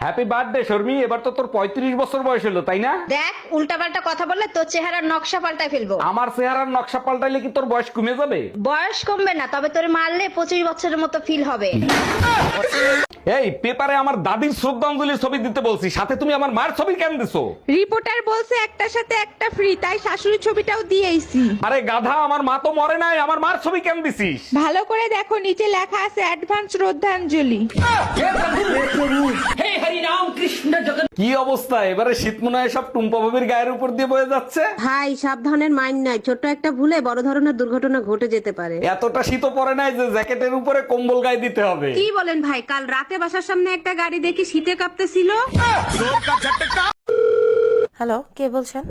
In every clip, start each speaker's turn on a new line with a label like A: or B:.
A: Happy birthday শর্মি, এবার তো তোর 35 বছর বয়স হলো, তাই না?
B: দেখ উল্টাপাল্টা কথা বললে তোর চেহারার নকশা পাল্টাই ফেলবো।
A: আমার চেহারার নকশা পাল্টাইলে কি তোর বয়স কমে যাবে?
B: বয়স কমবে না, তবে তোরে মারলে 25 বছরের মতো ফিল হবে।
A: এই পেপারে আমার দাদির শ্রদ্ধাঞ্জলির ছবি দিতে বলছি, সাথে তুমি আমার মায়ের ছবি কেন দিছো?
C: রিপোর্টার বলছে একটার সাথে একটা ফ্রি, তাই শাশুড়ির ছবিটাও দিয়েছি।
A: আরে গাধা, আমার মা তো মরে নাই, আমার মার ছবি কেন দিছিস?
C: ভালো করে দেখো, নিচে লেখা আছে অ্যাডভান্স শ্রদ্ধাঞ্জলি।
A: কি অবস্থা, এবারে শীত মনে হয় সব টুম্পা ভাবির গায়ের উপর দিয়ে বয়ে যাচ্ছে।
D: ভাই সাবধানের মাইন্ড নাই, ছোট্ট একটা ভুলে বড় ধরনের দুর্ঘটনা ঘটে যেতে পারে।
A: এতটা শীত পড়ে নাই যে জ্যাকেটের উপরে কম্বল গায়ে দিতে হবে।
D: কি বলেন ভাই, কাল রাতে বাসার সামনে একটা গাড়ি দেখি শীতে কাঁপতেছিল।
E: হ্যালো, কে বলছেন?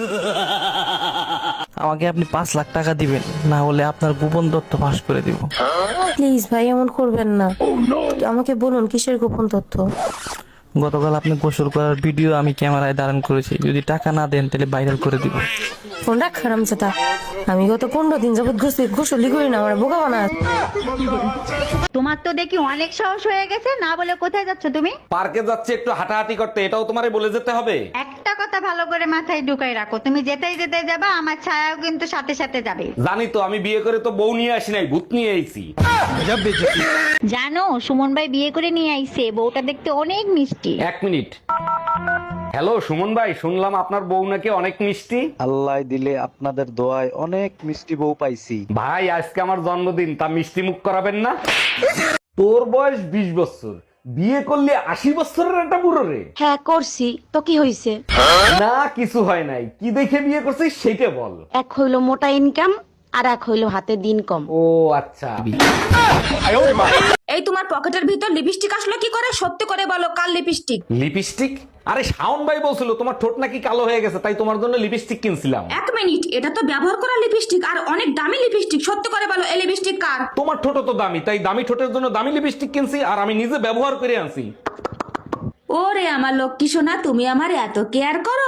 F: আমাকে আপনি 5 লাখ টাকা দিবেন, না হলে আপনার গোপন তথ্য ফাঁস করে দিব।
E: প্লিজ ভাই, এমন করবেন না। আমাকে বলুন কিসের গোপন তথ্য?
F: গতকাল আপনি গোসল করার ভিডিও আমি ক্যামেরায় ধারণ করেছি, যদি টাকা না দেন তাহলে ভাইরাল করে দিব।
E: ফোন রাখ হারামজাদা। আমি গত 15 দিন যাবত গোসলই করি না, আমার বোকা বানা।
B: তোমার তো দেখি অনেক সাহস হয়ে গেছে, না বলে কোথায় যাচ্ছ তুমি?
A: পার্কে যাচ্ছে একটু হাঁটাহাঁটি করতে, এটাও তোমারে বলে যেতে হবে?
B: একটা কথা ভালো করে মাথায় ঢুকাই রাখো, তুমি যেতেই যেতে যাবা, আমার ছায়াও কিন্তু সাথে সাথে যাবে।
A: জানি তো, আমি বিয়ে করে তো বউ নিয়ে আসি নাই, ভূত নিয়ে আইছি।
B: জানো সুমন ভাই বিয়ে করে নিয়ে আইছে, বউটা দেখতে অনেক মিষ্টি।
A: 1 মিনিট। হ্যালো সুমন ভাই, শুনলাম আপনার বউ নাকি অনেক মিষ্টি।
G: আল্লাহ দিলে আপনাদের দোয়ায় অনেক মিষ্টি বউ পাইছি।
A: ভাই আজকে আমার জন্মদিন, তা মিষ্টি মুখ করাবেন না? তোর বয়স 20 বছর, বিয়ে করলে 80 বছরের একটা বুড়ো রে।
D: হ্যাঁ করছি, তো কি হইছে?
A: না কিছু হয় নাই, কি দেখে বিয়ে করছিস সেইটা বল।
D: এক হইলো মোটা ইনকাম, আর এক হইলো হাতে দিন কম।
A: ও আচ্ছা।
H: এই তোমার পকেটের ভিতর লিপস্টিক আসলো কি করে? সত্যি করে বলো, কাল লিপস্টিক?
A: লিপস্টিক? আরে শাওন ভাই বলছিল তোমার ঠোঁট নাকি কালো হয়ে গেছে, তাই তোমার জন্য লিপস্টিক কিনছিলাম।
H: 1 মিনিট, এটা তো ব্যবহার করা লিপস্টিক, আর অনেক দামি লিপস্টিক। সত্যি করে বলো, এই লিপস্টিক কার?
A: তোমার ঠোঁট তো দামি, তাই দামি ঠোঁটের জন্য দামি লিপস্টিক কিনছি, আর আমি নিজে ব্যবহার করে আনছি।
H: ওরে আমার লক্ষ্মী সোনা, তুমি আমার এত কেয়ার করো।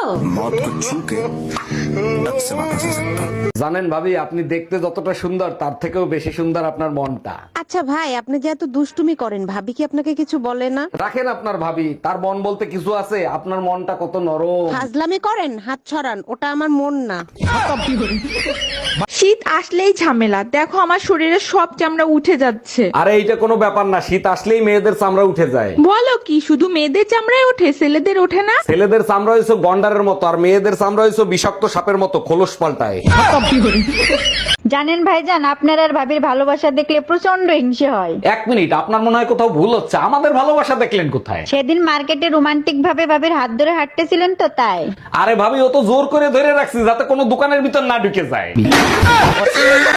A: জানেন ভাবি, আপনি দেখতে যতটা সুন্দর তার থেকেও বেশি সুন্দর আপনার মনটা।
D: আচ্ছা ভাই, আপনি যে এত দুষ্টুমি করেন, ভাবি কি আপনাকে কিছু বলে না?
A: রাখেন আপনার ভাবি, তার মন বলতে কিছু আছে? আপনার মনটা কত নরম।
D: ফাজলামি করেন, হাত ছড়ান, ওটা আমার মন না।
C: শীত আসলেই ঝামেলা, দেখো আমার শরীরে সব চামড়া উঠে যাচ্ছে।
A: আরে এইটা কোনো ব্যাপার না, শীত আসলেই মেয়েদের চামড়া উঠে যায়।
C: বলো কি, শুধু মেয়েদের চামড়ায় ওঠে, ছেলেদের ওঠে না?
A: ছেলেদের চামড়া হয়েছে গন্ডারের মতো, আর মেয়েদের চামড়া হয়েছে বিষাক্ত সাপের মতো, খোলস পাল্টায়।
B: জানেন ভাইজান, আপনার আর ভাবির ভালোবাসা দেখলে প্রচন্ড হিংসে হয়।
A: 1 মিনিট, আপনার মনে হয় কোথাও ভুল হচ্ছে, আমাদের ভালোবাসা দেখলেন কোথায়?
B: সেদিন মার্কেটে রোমান্টিক ভাবে ভাবির হাত ধরে হাঁটতেছিলেন তো, তাই।
A: আরে ভাবি, ও তো জোর করে ধরে রাখছি যাতে কোনো দোকানের ভিতর না ঢুকে যায়।